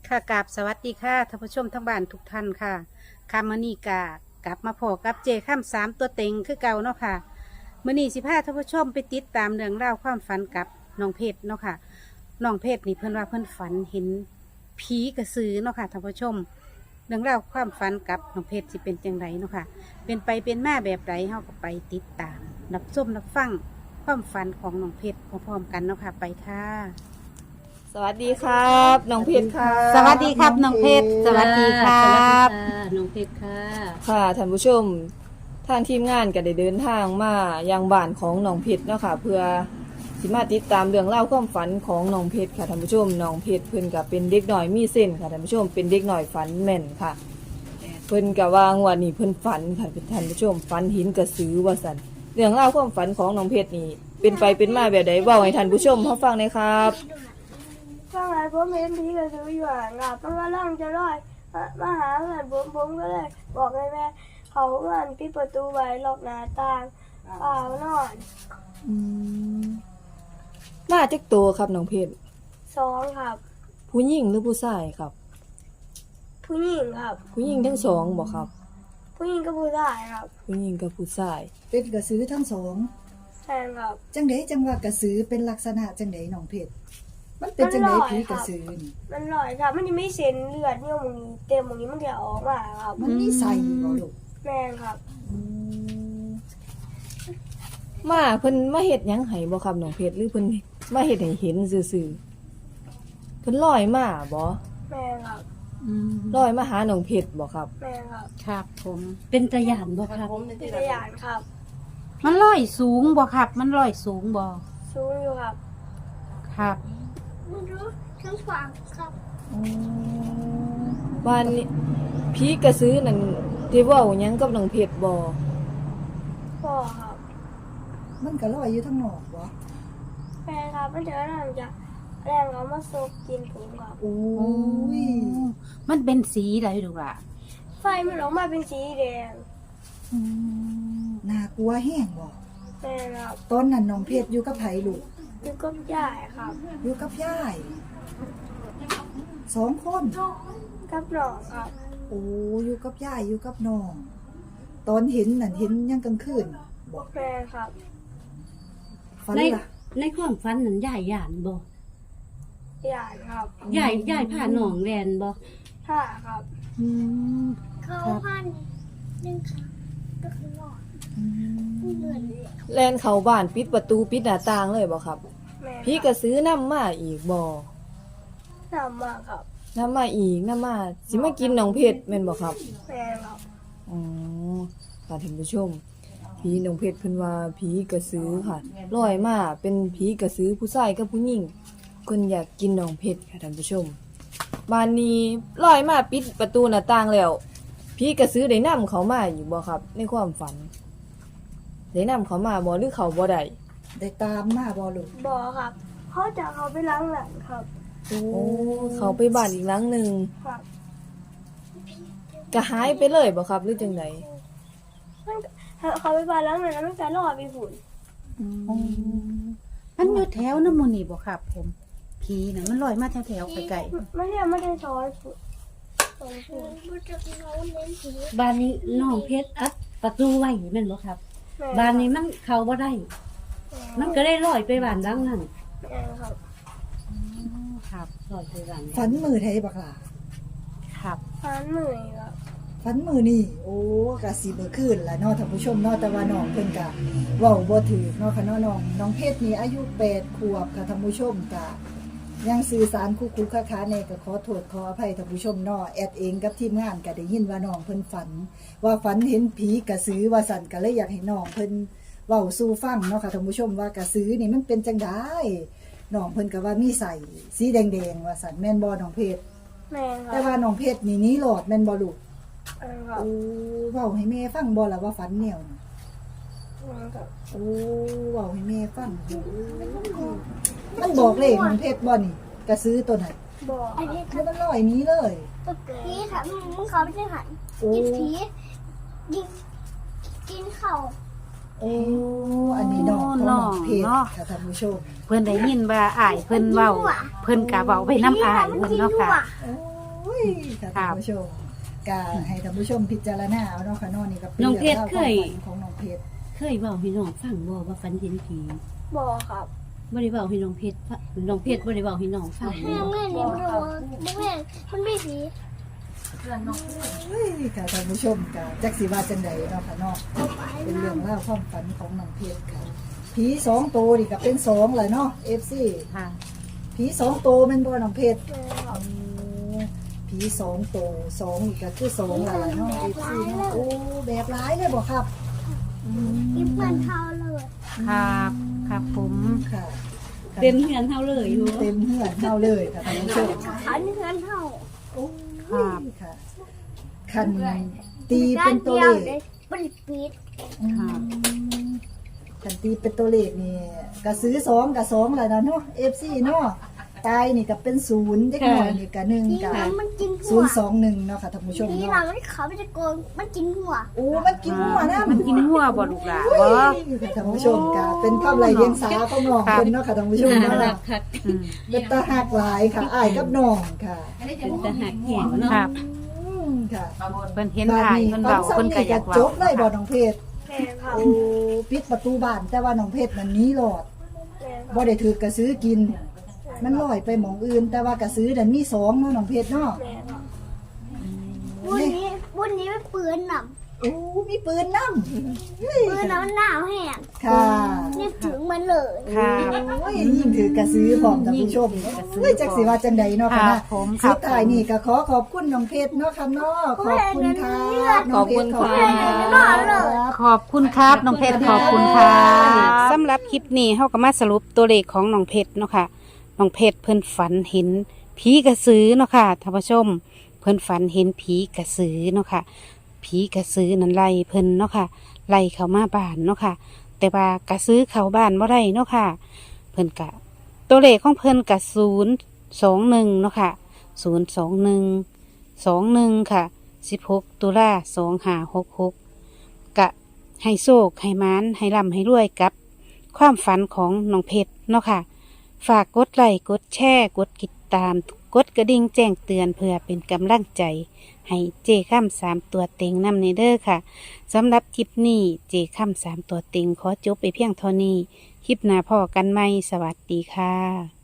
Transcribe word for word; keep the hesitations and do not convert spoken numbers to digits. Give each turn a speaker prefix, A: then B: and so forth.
A: ค่ะกราบสวัสดีค่ะท่านผู้ชมทั้งบ้านทุกท่านค่ะคำมณีกากลับมาพอกับเจข้ามสามตัวเต็งคือเก่าเนาะค่ะมื่อนี้สิพาท่านผู้ชมไปติดตามเรื่องเล่าวความฝันกับน้องเพชรเนาะค่ะน้องเพชรนี่เพิ่นว่าเพิ่นฝันเห็นผีกระสือเนาะค่ะท่านผู้ชมเรื่องเล่าวความฝันกับน้องเพชรสิเป็นจังไรเนาะค่ะเป็นไปเป็นมาแบบไรเฮาก็ไปติดตามรับชมรับฟังความฝันของน้องเพชรพร้อมๆกันเนาะค่ะไปค่ะ
B: สวัสดีครับน้องเพชรค่ะ
A: สวัสดีครับน้องเพชรสวัสดีครับ
C: น้องเพชรค่ะ
B: ค่ะท่านผู้ชมทางทีมงานก็ได้เดินทางมายังบ้านของน้องเพชรเนาะค่ะเพื่อสิมาติดตามเรื่องเล่าวความฝันของน้องเพชรค่ะท่านผู้ชมน้องเพชรเพิ่นก็เป็นเด็กหน่อยมีเส้นค่ะท่านผู้ชมเป็นเด็กหน่อยฝันแม่นค่ะ เพิ่นก็ว่างวันนี้เพิ่นฝันค่ะท่านผู้ชมฝันหินกระสือว่าซั่นเรื่องเล่าวความฝันของน้องเพชรนี่เป็นไปเป็นมาแบบใดเว้าให้ท่านผู้ชมเฮาฟังหน่อยครับ
D: ข้างในผมเห็นผีกระสืออยู่ห่างครับมันกำลังจะลอยมามาหาเพื่อนผมผมก็เลยบอกให้แม่เขาเพื่อนปิดประตูไว้ล็อกหน้าต่างเปล่านอน
B: อืมมาจักโตครับน้องเพชร
D: สองครับ
B: ผู้หญิงหรือผู้ชายครับ
D: ผู้หญิงครับ
B: ผู้หญิงทั้งสองบ่ครับ
D: ผู้หญิงกับผู้ชายครับ
B: ผู้หญิงกับผู้ชาย
E: เป็นกระสือทั้งสอง
D: ใช่ครับ
E: จังไดจังว่ากระสือเป็นลักษณะจังไดน้องเพชรมันเป็นจังไดผีกระสือนี่
D: มันลอยครับ มันยังไม่เซ็นเลือดเนี่ยมึงนี้เต็มมึงนี้มันจะออกมาครับ
E: มันมีใส่บ่ลูก
D: แม่นครับ
B: มาเพิ่นมาเฮ็ดหยังให้บ่ครับน้องเพชรหรือเพิ่นมาเฮ็ดให้เห็นซื่อๆเพิ่นลอยมาบ่
D: แม่นครับ
B: ลอยมาหาน้องเพชรบ่ครับ
D: แม่นครับ
A: ครับผม
C: เป็นตะหยานบ่ครับ
D: เป็นตะยานครับ
A: มันลอยสูงบ่ครับ มันลอยสูงบ่
D: สูงอยู่ครับ
A: ครับ
D: ไม่รู้ทั้งฝั่งครับ
B: บ้านนี้ผีกระสือนั่นได้เว้าหยังกับน้องเพชรบ่
D: พ่อครับ
E: มันก็ลอยอยู่ทั้งนอกบ่
D: แม่นครับมันจะนั่งจะแรงเขามาซกกินผมครับ
E: โอ้ย
A: มันเป็นสีอะไรดูล่ะ
D: ไฟมันออกมาเป็นสีแดง
E: น่ากลัวแห้งบ่
D: แม่ครับ
E: ตอนนั้นน้องเพชรอยู่กับไผลูก
D: อยู่กับยายครับ
E: อยู่กับยายสองคน
D: กับน้องครับ
E: โอ้อยู่กับยายอยู่กับน้องตอนเห็นนั่นเห็นยังกลางคืนบ่
D: แม่ครับ
E: ฝัน
C: ใน
E: ล่ะ
C: ในความฝันนั้นยายหยานบ่
D: ยายครับ
C: ยายยายพาน้องแลนบ่
D: ผ้าครับ
A: อืม
D: เขาพันหนึ่งค่ะก็คือหลอด
E: อืม
D: เลือด
B: แล่นเข้าบ้านปิดประตูปิดหน้าต่างเลยบ่ครับ
D: แม่
B: ผีกระสือนำมาอีกบ่
D: นำมาครับ
B: นำมาอีกนำมาสิมากินน้องเพชรแม่นบ่ครับ
D: แม่ครับ
B: อ๋อค่ะท่านผู้ชมผีน้องเพชรเพิ่นว่าผีกระสือค่ะลอยมาเป็นผีกระสือผู้ชายกับผู้หญิงเพิ่นอยากกินน้องเพชรค่ะท่านผู้ชมบ้านนี้ลอยมาปิดประตูหน้าต่างแล้วผีกระสือได้นำเขามาอยู่บ่ครับ ในความฝันได้นำเขามาบ่หรือเขาบ่ได้
E: ได้ตามมาบ่ลูก
D: บอครับเขาจะเขาไปล้างหลังครับ
E: โอ้
B: โอ้เขาไปบ้านอีกหลังหนึง
D: ครับ
B: ก็หายไปเลยบ่ครับหรือจังได
D: มันก็เขาไปบ้านล้างหลังแล้วมันจะรอดไปฝุ่น
A: มันอยู่แถวน้ำมูนี่บ่ครับ ผมผีน่ะมันลอยมาแถวแถวๆไกล
D: ไม่ใช่ไม่ได้ช้อนฝุ่นช้อนฝุ่นมันจะเขาเน้นผี
C: บ้านนี้น้องเพชรอัดประตูไว้แม่นบ่ครับ
D: แม่
C: บ้านนี้มันเข้าบ่ได้ มันก็ได้ลอยไปบ้านหลังนั้น
D: แม่ครับ
A: ๆครับ
C: ลอยไปบ้าน
E: ฝันมือไทยบักล่ะ
A: ครับ
D: ฟันเหนื่อยครับ
E: ฝันมือนี่โอ้กะสิเมื่อคืนล่ะเนาะท่านผู้ชมเนาะแต่ว่าน้องเพิ่นกะเว้าบ่ถูกเนาะค่ะเนาะน้องน้องเพชรนี่อายุแปดขวบค่ะท่านผู้ชมกะยังสื่อสารคุกๆค้าๆแน่ก็ขอโทษขออภัยท่านผู้ชมเนาะแอดเองกับทีมงานก็ได้ยินว่าน้องเพิ่นฝัน ว่าฝันเห็นผีกระสือว่าสั่นก็เลยอยากให้น้องเพิ่นเว้าสู่ฟังเนาะค่ะท่านผู้ชมว่ากระสือนี่มันเป็นจังไดน้องเพิ่นก็ว่ามีใส่สีแดงๆว่าสั่นแม่นบ่น้องเพชร
D: แม่ครั
E: แต่
D: บ
E: ว่าน้องเพชรนี่หนี้หลอดแม่นบ่ลูก
D: แม่ครับ
E: โอ้เว้าให้แม่ฟังบ่ล่ะว่าฝันแนวน่ะ
D: แม่ครับ
E: โอ้เว้าให้แม่ฟังมันบอกเลขน้องเพชรบ่นี่กระสือตัวนั้น
D: บอกอันนี้
E: แล้วมันลอยหนี้เลย
D: ตุ๊กผีค่ะมึงเขาไม่ใช่หัน
E: โอ้
D: กินผีกินกินเข่า
E: โอ้อันนี้น้องของน้องเพชรค่ะท่านผู้ชม
A: เพิ่นได้ยินว่าอ้ายเพิ่นเว้าเพิ่นกะเว้าไปน้ำอ้ายเพิ่นเนาะค่ะ
E: โอ้ยค่ะท่านผู้ชมก็ให้ท่านผู้ชมพิจารณาเอาเนาะค่ะเนาะนี่ก็เป็น
C: น้อง
E: เรื่
C: เพ
E: อง
C: ชร
E: ราว
C: เค
E: ความ
C: ย
E: ฝันของน้องเพชร
C: เคยเว้าให้น้องฟังบ่ว่าฝันเห็นผี
D: บอกครับ
C: บ่ได้เว้าให้น้องเพชรฟังน้องเพชรบ่ได้เว้าให้น้องฟัง
D: แม่แม่นี่มันบอกแม่มันไม่ผี
E: เฮ้ยค่ะท่านผู้ชมก็จักสิว่าจังใดเนาะค่ะเนาะเป็นเรื่องราวความฝันของน้องเพชรค่ะผีสองตัวนี่ก็เป็นสองเลยเนาะ เอฟ ซี
A: ค่ะ
E: ผีสองตัวแม่นบ่น้องเพชร
D: แม่ครับ
E: ผีสองตัวสองนี่ก็คือสองอะไรเนาะ เอฟ ซี เนาะโอ้แบบร้ายเลยบ่ครับอืม
D: กินเหมือนเท้าเลย
A: ครับครับผม
E: ค่ะ
C: เต็มเฮือนเฮาเลยอยู่
E: เต็มเหือนเท่าเลยค่ะท่านผู้ชม
D: อันนี้เหมือนเท้า
E: โอ้ยค่ะคันตีเป็นตัวเลข
D: บริปีด
E: อืมคันตีเป็นตัวเลขนี่ก็ซื้อสองกับสองแหละนะเนาะ เอฟ ซี เนาะตายนี่ก็เป็นศูนย์เด็กน้อยนี่ก็หนึ่ง
D: ผี
E: กับ
D: หลังมันกินหั
E: ศู
D: วน
E: ย์สองหนึ่งเนาะค่ะท่านผู้ชม
D: ผีหลั
E: เนาะ
D: งมันเขาไม่จะโกงมันกินหัว
E: โอ้มันกินหัวนะ
A: มันกินหัวบ่ลูกหลาน
E: โอ้
A: บ่
E: ยค่ะท่านผู้ชมก็เป็นความไรเดียงสาของน้องเพิ่นเนาะค่ะท่านผู้ชม
C: น่ารั
E: เนาะ
C: กคัก
A: อืม
E: เป็นตาหักหลายค่ะอ้ายกับน้องค่ะ
C: เป็นตาหักแหงเนาะ
A: ครับ
E: อืมค่ะ
A: เพิ่นเห็นถ่ายเพิ่นเว้า
E: ซ้ำ
A: เพิ่นก็
E: นี่
A: อยา
E: ก็
A: กเว้า
E: จบเลยบ่น้องเพชร
D: แม่ครับ
E: โอ้ปิดประตูบ้านแต่ว่าน้องเพชรมันหนี้หลอด
D: แม่ครับ
E: บ่ได้ถือกระซื้อกิน มันลอยไปหมองอื่น แต่ว่ากระซื้อดันมีสองเนาะน้องเพชรเนาะ
D: แม่ครับวันนี้วันนี้ไม่ปืนหน
E: โอ้มีปืนนำเฮ้ย
D: ำปืนน้ำหนาวแห้ง
E: ค่ะ
D: นี่ถึงมันเลย
A: ครับ
E: โอ้ยยิ่งถือกระซื้อพร้อมท่านผู้ชมเฮ้ยจักสิว่าจังใดเนาะ
A: ค
E: ค่ะ
A: รับ
E: นะ
A: ผมครั
E: สุ
A: บ
E: ดท้ายนี่ก็ขอขอบคุณน้องเพชรเนาะค่ะเนาะขอบคุณค่ะน้องเพชรขอบคุณค่ะ
A: ขอบคุณครับน้องเพชรขอบคุณครับสำหรับคลิปนี้เฮาก็มาสรุปตัวเลขของน้องเพชรเนาะค่ะน้องเพชรเพิ่นฝันเห็นผีกระสือเนาะค่ะท่านผู้ชม เพิ่นฝันเห็นผีกระสือเนาะค่ะผีกระสือนั้นไล่เพิ่นเนาะค่ะไล่เข้ามาบ้านเนาะค่ะ แต่ว่ากระสือเข้าบ้านบ่ได้เนาะค่ะ เพิ่นกะตัวเลขของเพิ่นกะศูนย์สองหนึ่งเนาะค่ะศูนย์สองหนึ่งสองหนึ่งค่ะสิบหกตุลาสองห้าหกหกกะให้โชคให้มานให้ร่ำให้รวยกับ ความฝันของน้องเพชรเนาะค่ะ ฝากกดไลค์กดแชร์กดติดตาม กดกระดิ่งแจ้งเตือนเพื่อเป็นกำลังใจ ให้เจข้ามสามตัวเต็งนำในเด้อค่ะสำหรับคลิปนี้เจข้ามสามตัวเต็งขอจบไปเพียงเท่านี้ คลิปหน้าพ่อกันไหมสวัสดีค่ะ